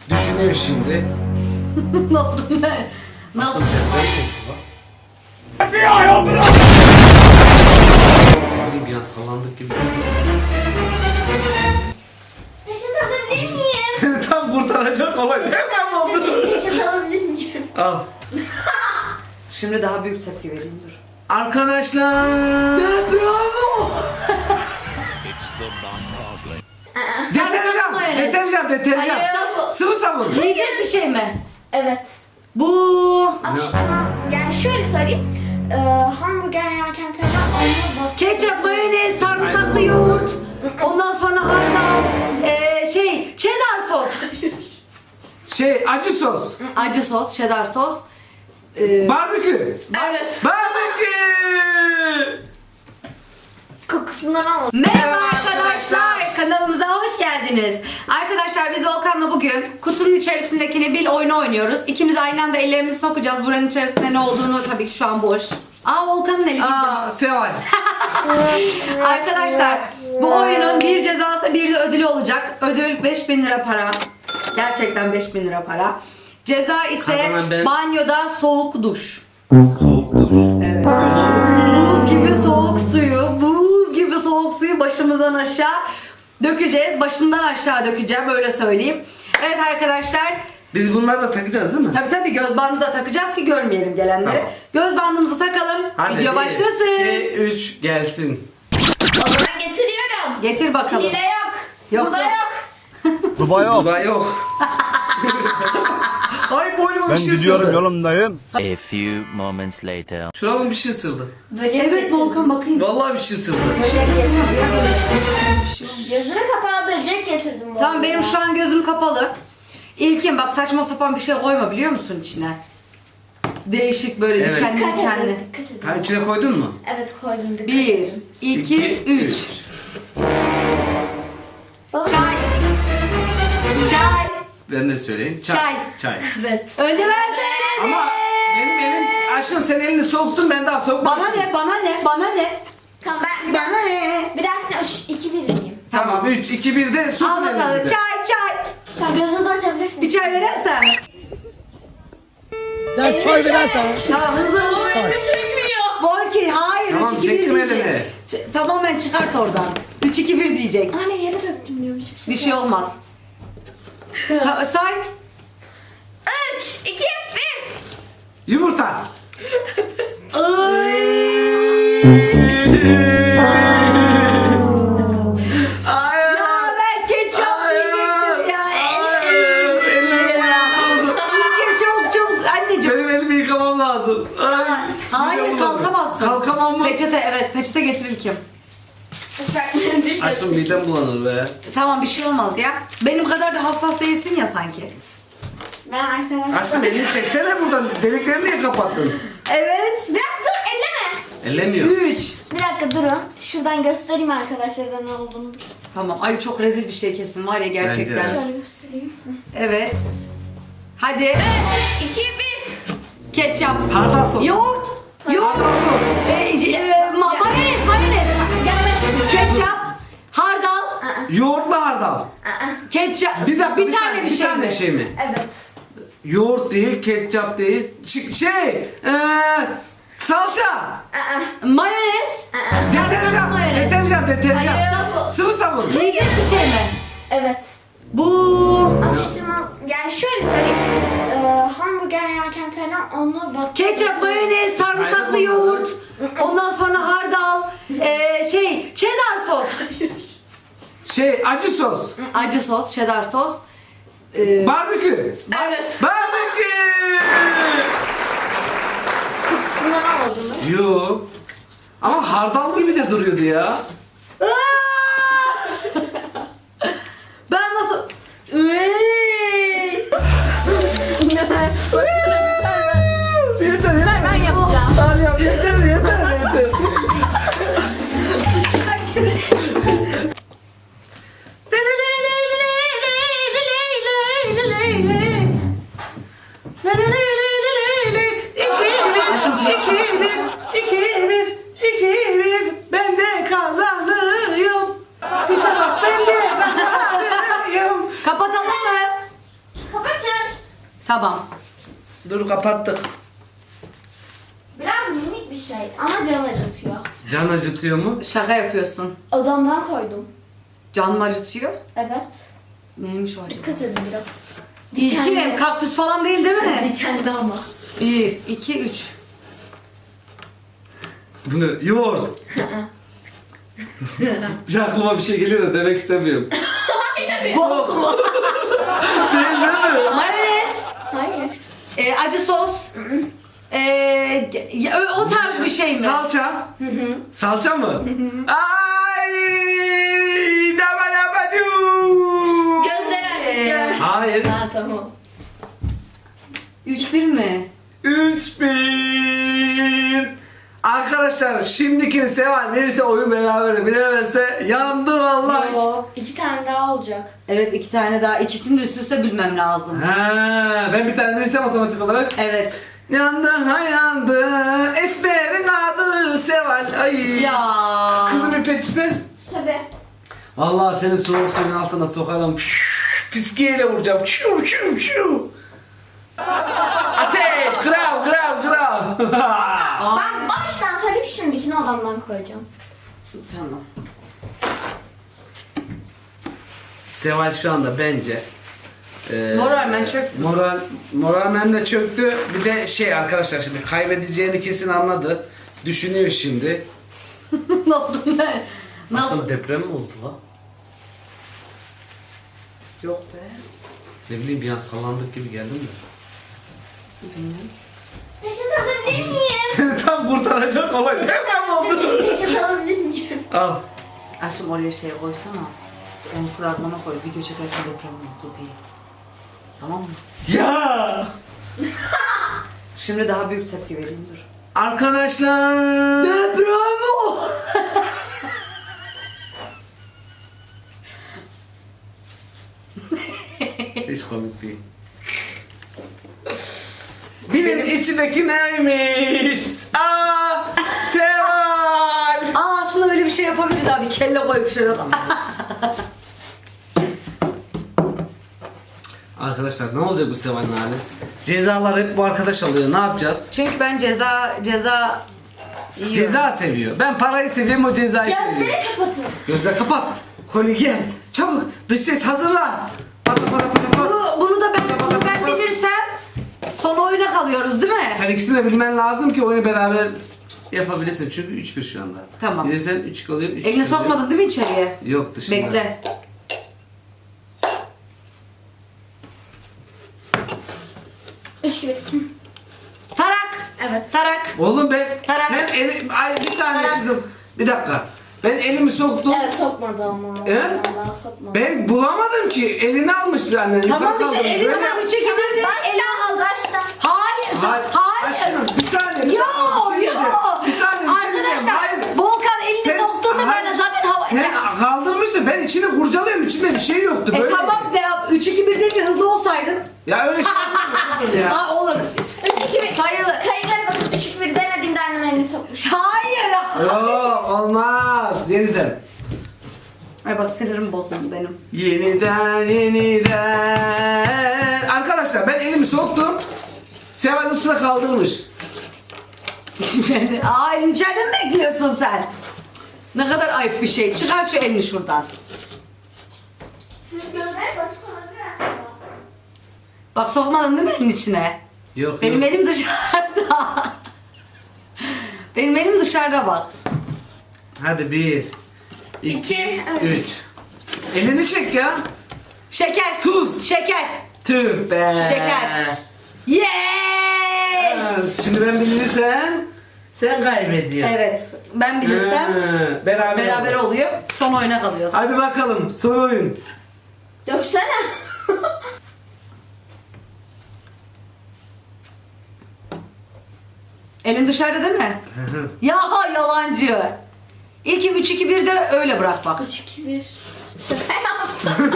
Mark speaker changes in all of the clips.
Speaker 1: Düşünüyor şimdi.
Speaker 2: Nasıl ne? Nasıl?
Speaker 1: Bir an sallandık gibi.
Speaker 3: Peçete alabilir miyim?
Speaker 1: Seni tam kurtaracak olay. Hemen oldu.
Speaker 3: Peçete alabilir miyim?
Speaker 1: Al.
Speaker 2: Şimdi daha büyük tepki vereyim dur.
Speaker 1: Arkadaşlar.
Speaker 2: Bravo!
Speaker 1: Deterjan.
Speaker 2: mayonez.
Speaker 1: Deterjan.
Speaker 2: Hayır, sabun.
Speaker 1: Sıvı sabun.
Speaker 2: Yiyecek bir şey mi?
Speaker 3: Evet.
Speaker 2: Bu
Speaker 3: Atıştırma. Yani şöyle söyleyeyim. Hamburger yerken falan onunla bak.
Speaker 2: ketçap, mayonez, sarımsaklı yoğurt. Ondan sonra hardal, cheddar sos.
Speaker 1: Acı sos.
Speaker 2: Acı sos, cheddar sos.
Speaker 1: Barbekü.
Speaker 2: Evet.
Speaker 1: Barbekü.
Speaker 3: Kokusundan almadım.
Speaker 2: Merhaba arkadaşlar, kanalımıza hoş geldiniz. Arkadaşlar biz Volkan'la bugün kutunun içerisindekini bil oyunu oynuyoruz. İkimiz aynı anda ellerimizi sokacağız. Buranın içerisinde ne olduğunu tabii ki şu an boş. Volkan'ın eli gitti.
Speaker 1: Seval.
Speaker 2: Arkadaşlar bu oyunun bir cezası bir de ödülü olacak. Ödül 5000 lira para. Gerçekten 5000 lira para. Ceza ise
Speaker 1: Kazanan ben.
Speaker 2: banyoda soğuk duş.
Speaker 1: Soğuk duş.
Speaker 2: Evet. Buz gibi soğuk suyu başımızdan aşağı dökeceğiz. Başından aşağı dökeceğim, öyle söyleyeyim. Evet arkadaşlar.
Speaker 1: Biz bunları da takacağız değil mi?
Speaker 2: Tabii göz bandı da takacağız ki görmeyelim gelenleri.
Speaker 1: Tamam.
Speaker 2: Göz bandımızı takalım. Video başlasın.
Speaker 1: 2, 3 gelsin.
Speaker 3: O zaman getiriyorum.
Speaker 2: Getir bakalım.
Speaker 3: Hile yok.
Speaker 2: Yok,
Speaker 3: Burada
Speaker 2: yok.
Speaker 3: yok.
Speaker 4: Dubai yok.
Speaker 1: Dubai yok. Ay boynuma bir
Speaker 4: Ben
Speaker 1: şey
Speaker 4: gidiyorum
Speaker 1: ısırdı.
Speaker 4: yolumdayım.
Speaker 5: A few moments later.
Speaker 1: Şurama bir şey ısırdı.
Speaker 3: Böcek
Speaker 2: Evet
Speaker 3: getirdim.
Speaker 2: Volkan bakayım.
Speaker 1: Vallahi bir şey ısırdı.
Speaker 3: Böcek getirdim. Gözünü kapağı böcek getirdim. bu
Speaker 2: Tamam
Speaker 3: arada.
Speaker 2: benim şu an gözüm kapalı. İlkin bak saçma sapan bir şey koyma biliyor musun içine? Değişik böyle
Speaker 1: Evet.
Speaker 2: dikenli
Speaker 3: Dikkat
Speaker 2: dikenli.
Speaker 3: edin, dikkat edin.
Speaker 1: Tam içine koydun mu?
Speaker 3: Evet koydum, dikkat
Speaker 2: 1,
Speaker 3: edin.
Speaker 2: 2, 3.
Speaker 3: Baba.
Speaker 2: Çay. Çay.
Speaker 1: Ben de söyleyeyim.
Speaker 2: Çay.
Speaker 1: Çay.
Speaker 3: Evet.
Speaker 2: Önce ben söyledim.
Speaker 1: Ama benim elim... Aşkım sen elini soktun, ben daha sokmadım.
Speaker 2: Bana ne?
Speaker 3: Tamam ben bir
Speaker 2: Bana
Speaker 3: dakika.
Speaker 2: ne?
Speaker 3: Bir dakika 2-1 diyeyim.
Speaker 1: Tamam 3, 2, 1 de sokun
Speaker 2: Al bakalım
Speaker 1: elinizi.
Speaker 2: çay.
Speaker 3: Tamam gözünüzü açabilirsiniz.
Speaker 2: Bir çay verirsen.
Speaker 4: Ya çay verersen.
Speaker 2: Tamam hızlı.
Speaker 3: çekmiyor.
Speaker 2: Volki hayır
Speaker 1: Tamam,
Speaker 2: 3, 2, 1
Speaker 1: çektim
Speaker 2: diyecek.
Speaker 1: elimi.
Speaker 2: Tamamen çıkart oradan. 3, 2, 1 diyecek.
Speaker 3: Anne yere döktüm diyorum hiçbir
Speaker 2: Bir şey olmaz. Say.
Speaker 3: 3, 2, 1.
Speaker 1: Yumurta. Hayır.
Speaker 2: Ya ben ketçap diyecektim ya.
Speaker 1: Hayır.
Speaker 2: İlkim çabuk anneciğim.
Speaker 1: Benim elimi yıkamam lazım. Ay,
Speaker 2: Hayır
Speaker 1: midem bulandı.
Speaker 2: kalkamazsın.
Speaker 1: Kalkamam mı?
Speaker 2: Peçete getir İlkim.
Speaker 3: Islak mendil
Speaker 1: Aşkım midem bulanır be.
Speaker 2: Tamam bir şey olmaz ya. Benim kadar da hassas değilsin ya sanki.
Speaker 3: Ben arkadaşlar.
Speaker 1: Aşkım elini çeksene buradan. Deliklerini niye kapattın?
Speaker 2: Evet.
Speaker 3: Bir dakika dur elleme.
Speaker 1: Ellemiyor.
Speaker 2: 3.
Speaker 3: Bir dakika durun. Şuradan göstereyim arkadaşlara ne olduğunu.
Speaker 2: Tamam. Ay çok rezil bir şey kesin var ya gerçekten.
Speaker 1: Bence de.
Speaker 3: Şöyle göstereyim.
Speaker 2: Evet. Hadi.
Speaker 3: 2, 1.
Speaker 2: Ketçap.
Speaker 1: Hardal sos.
Speaker 2: Yoğurt.
Speaker 1: Hardal sos.
Speaker 2: Mayonez.
Speaker 3: Yaklaştım.
Speaker 2: Ketçap. Hardal.
Speaker 1: Yoğurtlu hardal.
Speaker 2: Ketçap.
Speaker 1: Bir dakika,
Speaker 2: bir tane bir
Speaker 1: tane
Speaker 2: mi?
Speaker 1: bir şey mi?
Speaker 3: Evet.
Speaker 1: Yoğurt değil, ketçap değil. Salça.
Speaker 2: Mayonez.
Speaker 1: Deterjan.
Speaker 2: mayonez.
Speaker 1: Deterjan.
Speaker 2: Hayır, sabun.
Speaker 1: Sıvı sabun.
Speaker 2: Yiyecek bir şey mi?
Speaker 3: Evet.
Speaker 2: Bu
Speaker 3: Atıştırma. Yani şöyle söyleyeyim. Hamburger yerken falan onunla bak.
Speaker 2: ketçap, mayonez, sarımsaklı
Speaker 1: Saydım
Speaker 2: yoğurt. Ondan sonra hardal. Cheddar sos.
Speaker 1: Acı sos.
Speaker 2: Acı sos, cheddar sos.
Speaker 1: Barbekü.
Speaker 2: Evet.
Speaker 1: Barbekü.
Speaker 3: Kokusundan almadım mı?
Speaker 1: Yo. Ama hardal gibi de duruyordu ya.
Speaker 2: Ben nasıl... Ey!
Speaker 1: Yeter.
Speaker 3: Ben yapacağım.
Speaker 1: Hadi yap, yeter. Ben de kazanıyorum. Size bak ben de kazanıyorum.
Speaker 2: Kapatalım mı? Tamam.
Speaker 1: Dur kapattık.
Speaker 3: Biraz minik bir şey ama can acıtıyor.
Speaker 1: Can acıtıyor mu?
Speaker 2: Şaka yapıyorsun.
Speaker 3: Odamdan koydum.
Speaker 2: Can mı acıtıyor?
Speaker 3: Evet.
Speaker 2: Neymiş o acaba?
Speaker 3: Dikkat edin biraz.
Speaker 2: İki, kaktüs falan değil değil mi?
Speaker 3: Dikenli ama.
Speaker 2: 1, 2, 3.
Speaker 1: Bu ne? Yoğurt. Bir aklıma bir şey geliyor da demek istemiyorum.
Speaker 2: Bok mu?
Speaker 1: Değil mi?
Speaker 2: Mayonez.
Speaker 3: Hayır.
Speaker 2: Acı sos. O tarz bir şey mi?
Speaker 1: Salça. Salça mı? Ay!
Speaker 3: Gözleri açık gör.
Speaker 1: Hayır.
Speaker 3: Ha tamam.
Speaker 2: 3-1 mi?
Speaker 1: 3-1. Arkadaşlar şimdiki Seval verirse oyun beraber bilemezse yandı vallahi.
Speaker 2: Yo.
Speaker 3: 2 tane daha olacak.
Speaker 2: Evet 2 tane daha. İkisini de üst üste bilmem lazım.
Speaker 1: Ha, ben bir tane verirsem otomatik olarak.
Speaker 2: Evet.
Speaker 1: Yandı ha yandı. Esmer'in adı Seval. Ay.
Speaker 2: Ya.
Speaker 1: Kızım bir peçete.
Speaker 3: Tabii.
Speaker 1: Vallahi seni soğuk suyun altına sokarım. Fiskiyeyle vuracağım. Şu şu şu. Ateş! Grav grav grav.
Speaker 3: Ben baştan söyleyip şimdikini odamdan koyacağım.
Speaker 2: Tamam.
Speaker 1: Seval şu anda bence
Speaker 2: Moralmen çöktü.
Speaker 1: Moralmen de çöktü. Bir de şey arkadaşlar şimdi kaybedeceğini kesin anladı. Düşünüyor şimdi.
Speaker 2: Nasıl ne? Nasıl?
Speaker 1: Nasıl deprem mi oldu la?
Speaker 2: Yok be.
Speaker 1: Ne bileyim bir an sallandık gibi geldim de.
Speaker 2: Bilmiyorum.
Speaker 3: Peşet alabilir miyim?
Speaker 1: Seni tam kurtaracak olay deprem oldu.
Speaker 3: Peşet alabilir miyim?
Speaker 1: Al.
Speaker 2: Aşkım oraya şey koysana. Onu fragmana koy. Video çekerken deprem oldu diye. Tamam mı?
Speaker 1: Ya!
Speaker 2: Şimdi daha büyük tepki vereyim dur.
Speaker 1: Arkadaşlar.
Speaker 2: Deprem o.
Speaker 1: Hiç komik değil. Bilin içindeki neymiş? Aa, Seval.
Speaker 2: Aslında öyle bir şey yapabiliriz abi. Kelle koymuş orada.
Speaker 1: Arkadaşlar ne olacak bu Seval'in hali? Cezalar hep bu arkadaş alıyor. Ne yapacağız?
Speaker 2: Çünkü ben ceza yiyorum.
Speaker 1: Ceza seviyor. Ben parayı seviyorum, o cezayı seviyor.
Speaker 3: Gözleri kapatın.
Speaker 1: Gözler kapat. Koli gel. Çabuk. Dış ses hazırla. Pata pata pata pata.
Speaker 2: Bunu da ben bilirsem son oyuna kalıyoruz değil mi?
Speaker 1: Sen ikisini de bilmen lazım ki oyunu beraber yapabilirsin. Çünkü 3-1 şu anda.
Speaker 2: Tamam.
Speaker 1: Bilirsen 3 kalıyor. 3
Speaker 2: Elini sokmadın değil mi içeriye?
Speaker 1: Yok dışında.
Speaker 2: Bekle.
Speaker 3: Üç gibi.
Speaker 2: Tarak.
Speaker 3: Evet.
Speaker 2: Tarak.
Speaker 1: Oğlum ben
Speaker 2: Tarak.
Speaker 1: sen ay bir saniye
Speaker 2: Tarak.
Speaker 1: kızım. Bir dakika. Ben elimi soktum.
Speaker 3: Evet sokmadı ama. Daha sokmadı.
Speaker 1: Ben bulamadım ki. Elini almıştı annen.
Speaker 2: Tamam
Speaker 1: Yukarı
Speaker 2: işte
Speaker 1: kaldırmış.
Speaker 2: elini
Speaker 1: Böyle-
Speaker 2: bak 3'e 2 1 de elini al.
Speaker 3: Baştan.
Speaker 2: Hayır. Hayır.
Speaker 1: Aşkım bir saniye. Bir
Speaker 2: Yok
Speaker 1: saniye, bir şey diyeceğim.
Speaker 2: yok.
Speaker 1: Bir saniye bir şey diyeceğim.
Speaker 2: Arkadaşlar
Speaker 1: Hayır.
Speaker 2: Volkan elini
Speaker 1: Sen-
Speaker 2: soktuğunda ben de
Speaker 1: Hayır.
Speaker 2: zaten hava...
Speaker 1: Sen kaldırmıştın. Ben içini kurcalıyorum. İçinde bir şey yoktu. Böyle.
Speaker 2: Tamam be 3 2 1 deyince hızlı olsaydın.
Speaker 1: Ya öyle şey olmaz kızım ya.
Speaker 2: Ha olur.
Speaker 3: 3 2 1.
Speaker 2: Sayılır.
Speaker 3: Kayıtlara bakıp düşük bir demediğimde annem elini sokmuş.
Speaker 2: Hayır.
Speaker 1: Yok olmaz. Yeniden.
Speaker 2: Ay bak sinirim bozuldu benim.
Speaker 1: Yeniden. Arkadaşlar ben elimi soktum. Seval üstüne kaldırmış.
Speaker 2: Aa içeride mi bekliyorsun sen? Ne kadar ayıp bir şey. Çıkar şu elini şuradan.
Speaker 3: Siz gözleri başka olabilir aslında.
Speaker 2: Bak sokmadın değil mi elin içine?
Speaker 1: Yok
Speaker 2: Benim
Speaker 1: yok.
Speaker 2: elim dışarıda. Benim elim dışarıda bak.
Speaker 1: Hadi 1, 2,
Speaker 3: İki, evet.
Speaker 1: 3. Elini çek ya.
Speaker 2: Şeker.
Speaker 1: Tuz.
Speaker 2: Şeker.
Speaker 1: Tüh be.
Speaker 2: Şeker. Yes.
Speaker 1: Şimdi ben bilirsem sen kaybediyorsun.
Speaker 2: Evet. Ben bilirsem
Speaker 1: Beraber
Speaker 2: oluyor. Son oyuna kalıyoruz.
Speaker 1: Hadi bakalım son oyun.
Speaker 3: Döksene.
Speaker 2: Elin dışarıda değil mi? Ya yalancı. İlk 3 2 1 de öyle bırak bak.
Speaker 3: 3 2 1. Şaka yaptım.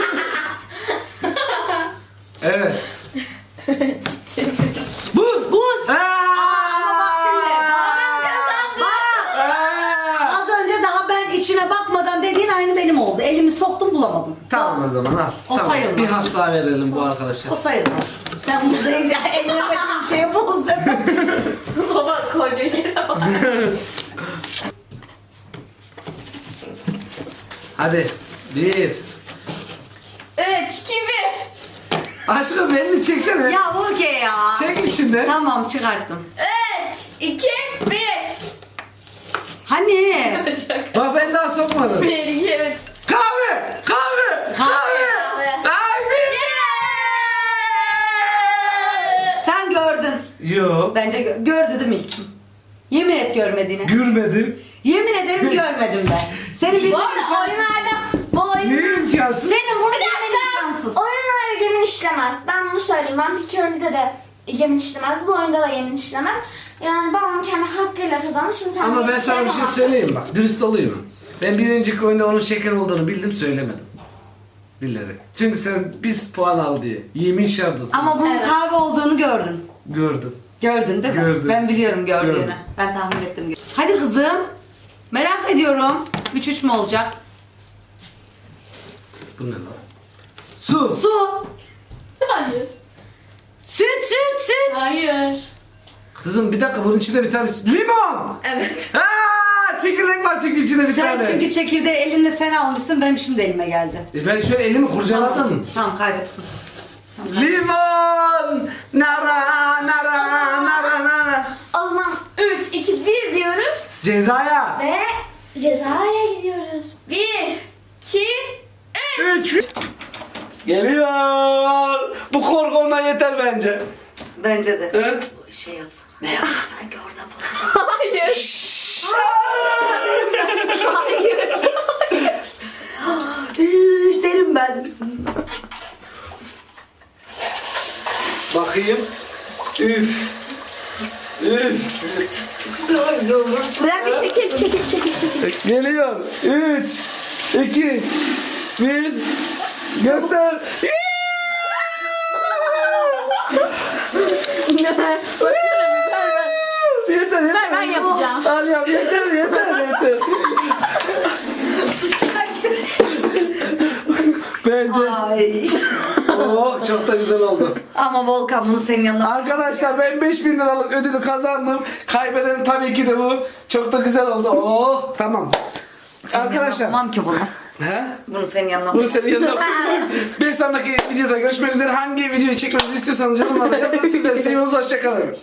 Speaker 1: Evet. Buz.
Speaker 2: Buz. Ama bak şimdi.
Speaker 1: Aa!
Speaker 2: Az önce daha ben içine bakmadan dediğin aynı benim oldu. Elimi soktum bulamadım.
Speaker 1: Tamam o zaman al.
Speaker 2: O
Speaker 1: tamam.
Speaker 2: sayılmaz.
Speaker 1: Bir hak daha verelim bu arkadaşa.
Speaker 2: O sayılmaz. Sen burada iyice ellemediğin şeye bozdun.
Speaker 3: Baba koyduğun yere bak.
Speaker 1: Hadi. 1.
Speaker 3: 3, 2, 1.
Speaker 1: Aşkım elini çeksene.
Speaker 2: Ya okey ya.
Speaker 1: Çek içinden.
Speaker 2: Tamam çıkarttım.
Speaker 3: 3, 2, 1.
Speaker 2: Hani?
Speaker 1: Bak ben daha sokmadım.
Speaker 3: 1, 2, 3.
Speaker 1: Kahve! Kahve! Kahve! Ay bir.
Speaker 2: Sen gördün.
Speaker 1: Yok.
Speaker 2: Bence gördü değil mi ilkim? Yemin et görmediğini.
Speaker 1: Görmedim.
Speaker 2: Yemin ederim görmedim ben. Seni
Speaker 3: Bu
Speaker 2: bilmem
Speaker 3: arada
Speaker 2: imkansız.
Speaker 3: oyunlarda bu oyun...
Speaker 1: Niye imkansız?
Speaker 2: Senin bunu
Speaker 3: Bir
Speaker 2: bilmen
Speaker 3: dakika.
Speaker 2: imkansız.
Speaker 3: Oyunlarda yemin işlemez. Ben bunu söyleyeyim. Ben bir köylüde de yemin işlemez. Bu oyunda da yemin işlemez. Yani babam kendi hakkıyla kazandı. Şimdi sen
Speaker 1: Ama
Speaker 3: de
Speaker 1: ben sana bir şey
Speaker 3: yapamazsın.
Speaker 1: söyleyeyim bak. Dürüst olayım. Ben bir önceki oyunda onun şeker olduğunu bildim söylemedim. Bilerek. Çünkü sen biz puan al diye. Yemin şardasın.
Speaker 2: Ama bunun
Speaker 3: Evet.
Speaker 2: kahve olduğunu gördün.
Speaker 1: Gördüm.
Speaker 2: Gördün değil mi?
Speaker 1: Gördüm.
Speaker 2: Ben biliyorum gördüğünü.
Speaker 1: Gördüm.
Speaker 2: Ben tahmin ettim. Hadi kızım. Merak ediyorum. 3-3 mü olacak?
Speaker 1: Bu ne lan? Su.
Speaker 2: Su.
Speaker 3: Hayır.
Speaker 2: Süt.
Speaker 3: Hayır.
Speaker 1: Kızım bir dakika bunun içinde bir tane limon.
Speaker 3: Evet.
Speaker 1: Aa, çekirdek var çünkü içinde bir
Speaker 2: Sen
Speaker 1: tane.
Speaker 2: çünkü çekirdeği elinle sen almışsın. Benim şimdi elime geldi.
Speaker 1: Ben şöyle elimi kurcaladım.
Speaker 2: Tamam kaybettim.
Speaker 1: Limon. Nara nara nara nara.
Speaker 3: O zaman 3, 2, 1 diyoruz.
Speaker 1: Cezaya.
Speaker 3: Ve cezaya gidiyoruz. 1, 2, 3.
Speaker 1: 3. Geliyor. Bu korku ona yeter bence.
Speaker 2: Bence de.
Speaker 1: Evet.
Speaker 2: Bu şey yapsana. Merhaba sanki oradan fotoğraf.
Speaker 3: Hayır. Hayır.
Speaker 2: Derim ben.
Speaker 1: Bakayım. Üf. Üf.
Speaker 3: Bir dakika çekil.
Speaker 1: Geliyor. 3, 2, 1. Göster. Yeter yeter.
Speaker 3: Ben yapacağım.
Speaker 1: Al yap yeter yeter. Bence.
Speaker 2: Ay.
Speaker 1: Oh çok da güzel oldu.
Speaker 2: Ama Volkan bunu senin yanına...
Speaker 1: Arkadaşlar ben 5000 liralık ödülü kazandım. Kaybeden tabii ki de bu. Çok da güzel oldu. Oh tamam. Arkadaşlar.
Speaker 2: Yapamam ki bunu.
Speaker 1: He?
Speaker 2: Bunu senin yanına...
Speaker 1: Bunu senin yanına. Bir sonraki videoda görüşmek üzere. Hangi videoyu çekmemizi istiyorsanız yorumlarda yazın. Sizleri seviyoruz. Hoşçakalın.